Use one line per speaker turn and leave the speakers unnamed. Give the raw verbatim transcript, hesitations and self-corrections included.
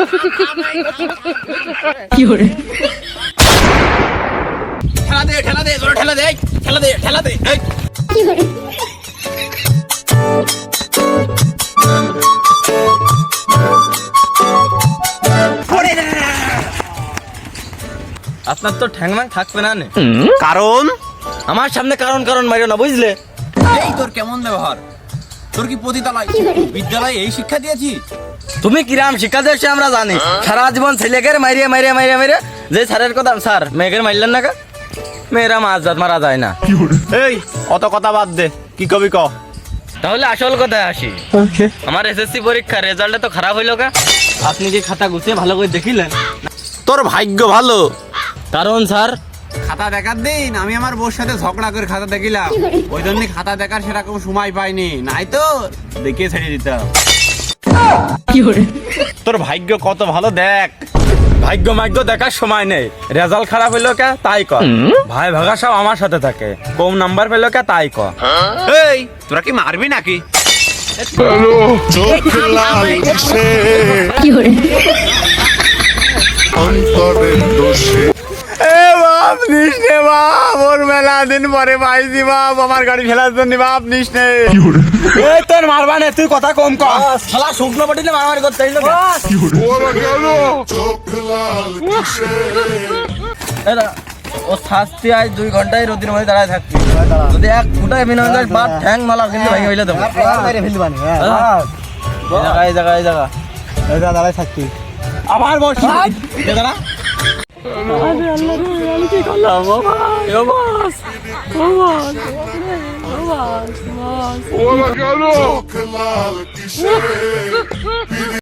কি করে
ঠেলা দে ঠেলা দে জোরে ঠেলা দে ঠেলা দে ঠেলা দে
কি করে
আপনার তো ঠ্যাংম্যাং থাকবে না নে
কারণ
আমার সামনে কারণ কারণ মারিও না বুঝলে
এই তোর কেমন ব্যবহার তোর কি পতিতালয় বিদ্যালয়ে এই শিক্ষা দিয়েছি
তুমি কিরাম শিক্ষা দিয়েছো আমরা জানি সারা জীবন ছেলেকে মারিয়ে মারিয়ে মারিয়ে মারিয়ে যে স্যারের কথা স্যার মেয়েকে মারলেন না কা মেয়েরা মাছ জাত মারা যায় না
এই অত কথা বাদ দে কি কবি ক
তাহলে আসল কথায় আসি আমার এসএসসি পরীক্ষার রেজাল্টে তো খারাপ হইলো কা আপনি কি খাতা গুছিয়ে ভালো করে দেখিলেন
তোর ভাগ্য ভালো
কারণ স্যার
খাতা দেখার দিন আমি আমার বউর সাথে ঝগড়া করে খাতা দেখিলাম ওই জন্য খাতা দেখার সেরকম সময় পাইনি নাই তো দেখিয়ে ছেড়ে দিতাম
কি করে
তোর ভাগ্য কত ভালো দেখ
ভাগ্য মাগ্য দেখার সময় নেই রেজাল্ট খারাপ হইলো কে তাই ক ভাই ভাগা সব আমার সাথে থাকে কম নাম্বার পেলো কে তাই ক
এই তোরা কি মারবি নাকি
চোখ লাল কিসে
কি করে
অন্তরের দোষে
এ বাপ নিস নে বাপ ওর মেলা দিন পরে পাইছি বাপ আমার গাড়ি ফেলার জন্য বাপ নিস নে
এই তোর মারবা না তুই কথা কম কর শালা শুকনো পাটিলে মারামারি করতে হইলো
ওরা গেল চোখ লাল কিসে
এরা ও শাস্তি আজ দুই ঘন্টায় রোদির মধ্যে দাঁড়ায় থাকবি যদি এক ফুটায় বিনা যায় বাদ ঠ্যাং মালা কিন্তু ভাই হইলে দেবো এই জায়গা এই জায়গা এই জায়গা দাঁড়ায় থাকবি আবার বসি দাঁড়া আরে আল্লাহ রে আমি কি করলাম ও ভাই ও বাস ও বাস ও বাস
ওরা গেল চোখ লাল কিসে